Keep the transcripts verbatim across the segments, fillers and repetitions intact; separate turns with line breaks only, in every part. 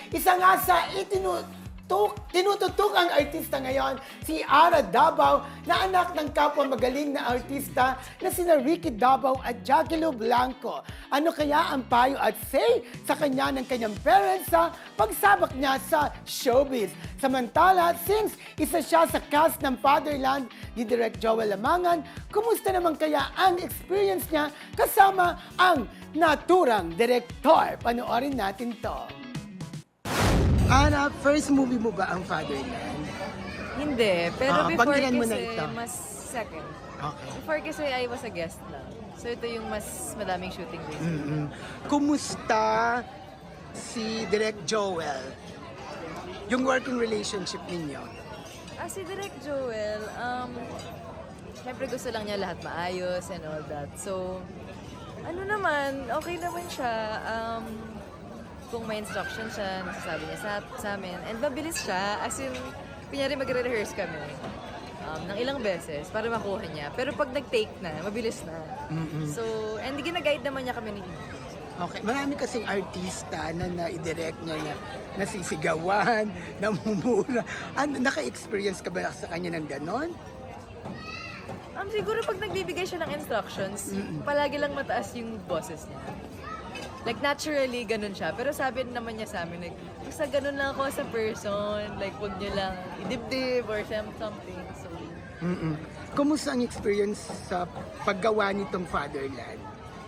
Isa nga sa itinu Tuk, tinututok ang artista ngayon, si Ara Davao, na anak ng kapwa magaling na artista na sina Ricky Davao at Jackie Lou Blanco. Ano kaya ang payo at say sa kanya ng kanyang parents sa pagsabak niya sa showbiz? Samantala, since isa siya sa cast ng Fatherland ni Direk Joel Lamangan, kumusta naman kaya ang experience niya kasama ang naturang direktor? Panoorin natin to. Ana, first movie mo ba ang Fatherland?
Hindi, pero
Ah,
before
banggihan mo na
kasi
ito.
mas second.
Okay.
Before kasi I was a guest lang. So ito yung mas madaming shooting days.
Mm-mm. Kumusta si Direk Joel? Yung working relationship ninyo?
Ah, si Direk Joel, um, syempre gusto lang niya lahat maayos and all that. So, ano naman, okay naman siya. Um, kung may instruction siya, nasasabi niya sa, sa amin. And mabilis siya, as in, kunyari magre-rehearse kami um, ng ilang beses para makuha niya. Pero pag nag-take na, mabilis na.
Mm-mm.
So, and gina-guide naman niya kami ni
Okay. Marami kasing artista na na-direct niya na nasisigawan, namumura. Ano, naka-experience ka ba sa kanya ng ganon?
Um, siguro pag nagbibigay siya ng instructions, palagi lang mataas yung boses niya. Like, naturally, ganun siya. Pero sabi naman niya sa amin, like, basta ganun lang ako sa person. Like, huwag niyo lang idibdib or something. So,
Mm-mm. Kumusta ang experience sa paggawa nitong Fatherland?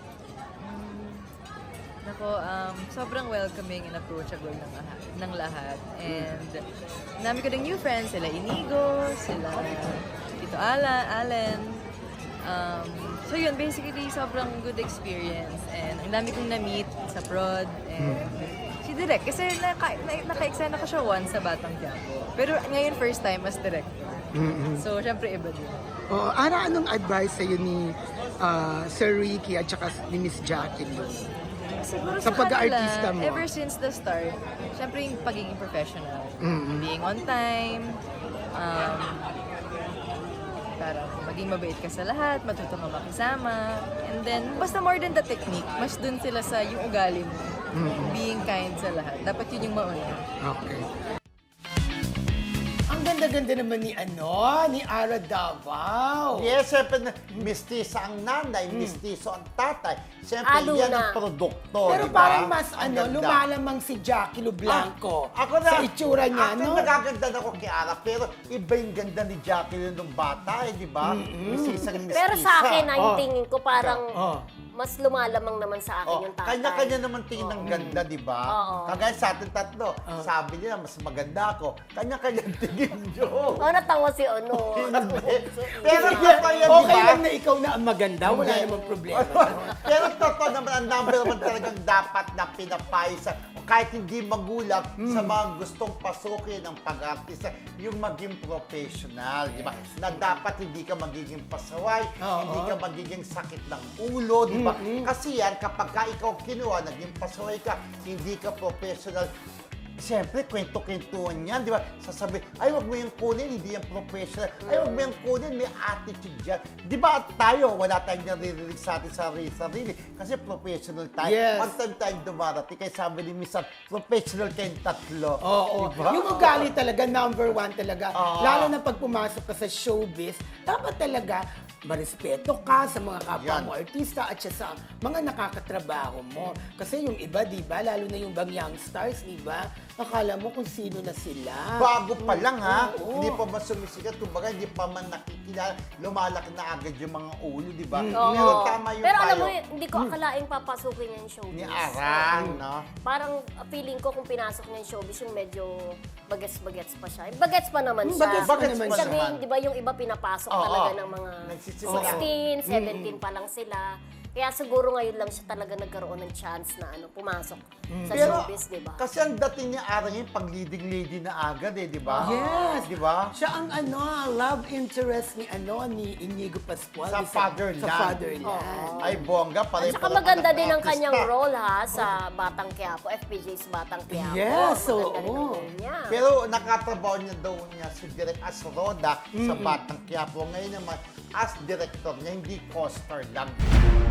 nako, um, sobrang welcoming and approachable ng lahat. Ng lahat. And, nami ko ng new friends, sila Inigo, sila Tito Ala, Allen. Um, so yun, basically, sobrang good experience. And ang dami kong na-meet sa prod. And si Direk, kasi naka, na, naka-eksena ko siya once sa Batang Quiapo. Pero ngayon, first time as director.
Mm-mm.
So, syempre, iba din.
Oh, Ara, anong advice sa'yo ni ah, Sir Ricky at saka ni Miss Jackie?
Siguro
Sa
sa,
pag-aartista
kanila,
mo?
ever since the start, syempre yung pagiging professional.
Mm-mm.
Being on time, um, parang maging mabait ka sa lahat, matuto ka makisama, and then, basta more than the technique, mas dun sila sa yung ugali mo. Being kind sa lahat. Dapat yun yung mauna.
Okay. Ang ganda-ganda naman ni ano, ni Ara Davao.
Yes, siyempre, na- mistisa ang nanay, mistiso ang tatay. Siyempre,
Halo
yan
na.
ang produkto,
Pero
di ba?
parang mas
Ang
ano,
ganda.
lumalamang si Jackie Lu Blanco
Ah, ako na,
sa itsura niya,
ako
no?
nagaganda na ako kay Ara, pero iba yung ganda ni Jacqueline nung bata, eh, di ba? Mistisa ng mistisa.
Pero sa akin, ay
Oh.
tingin ko parang
Oh.
mas lumalamang naman sa akin
Oh,
yung tatay.
kanya-kanya naman tingin ng ganda, di ba?
Oo.
Kagaya sa ating tatlo, sabi nila, mas maganda ako. Kanya-kanya tingin nyo.
Oh, natawa si ano.
Pero
Sige,
totoo yan, di
okay
ba?
lang na ikaw na ang maganda, wala
Hindi.
namang problema.
Pero totoo naman, ang number one talagang dapat na pinapayo sa, kahit hindi magulang, sa mga gustong pasukin ng pag-artista, yung maging professional, di ba? Na dapat hindi ka magiging pasaway,
Oo.
hindi ka magiging sakit ng ulo, di ba? Kasi yan, kapag ka ikaw kinuha, naging pasaway ka, hindi ka professional, siyempre, kwento-kwentuhan yan, di ba? Sasabi, ay, wag mo yung kunin, hindi yan professional. Ay, wag mo yung kunin, may attitude yan. Di ba tayo, wala tayong naririnig sa atin sarili-sarili. Kasi professional tayo.
Yes.
One time tayong dumarating, kaya sabi ni Mister professional kayong tatlo.
Oo.
Diba?
Yung ugali talaga, number one talaga.
Oo.
Lalo na pag pumasok ka sa showbiz, dapat talaga marespeto ka sa mga kapwa
Yan.
mo artista at siya sa mga nakakatrabaho mo. Kasi yung iba, di ba, lalo na yung bang young stars, di ba, akala mo kung sino na sila.
Bago pa lang ha,
Oo.
hindi pa man sumisikat, kumbaga hindi pa man nakikilala, lumalaki na agad yung mga ulo, di ba?
Oo.
Pero tama yung
Pero alam
payo
mo, hindi ko akalaing papasukin niya yung showbiz.
ni Arang, no?
Parang uh, feeling ko kung pinasok niya yung showbiz, yung medyo bagets-bagets pa siya. Bagets pa naman siya.
Bagets pa
Bagets
naman
pa
siya.
Sabi,
naman.
di ba yung iba pinapasok
Oo.
talaga ng mga
Nagsisimula.
sixteen, seventeen pa lang sila. Kaya siguro ngayon lang siya talaga nagkaroon ng chance na ano pumasok sa
Pero,
showbiz, di ba?
kasi ang dating ni Arang yung pag-leading lady na agad eh, di ba?
Yes.
Di ba?
Siya ang ano, love interest ni ano ni Inigo Pascual.
Sa
Di
Fatherland.
Sa Fatherland.
Ay, bongga,
At
pare
saka maganda din ang kanyang role ha sa Batang Quiapo, F P J's Batang Quiapo.
Yes,
Maganda rin ang
oo.
role niya.
Pero nakatrabaho niya daw niya si Direk as Roda sa Batang Quiapo. Ngayon naman, as director niya, hindi co-star lang.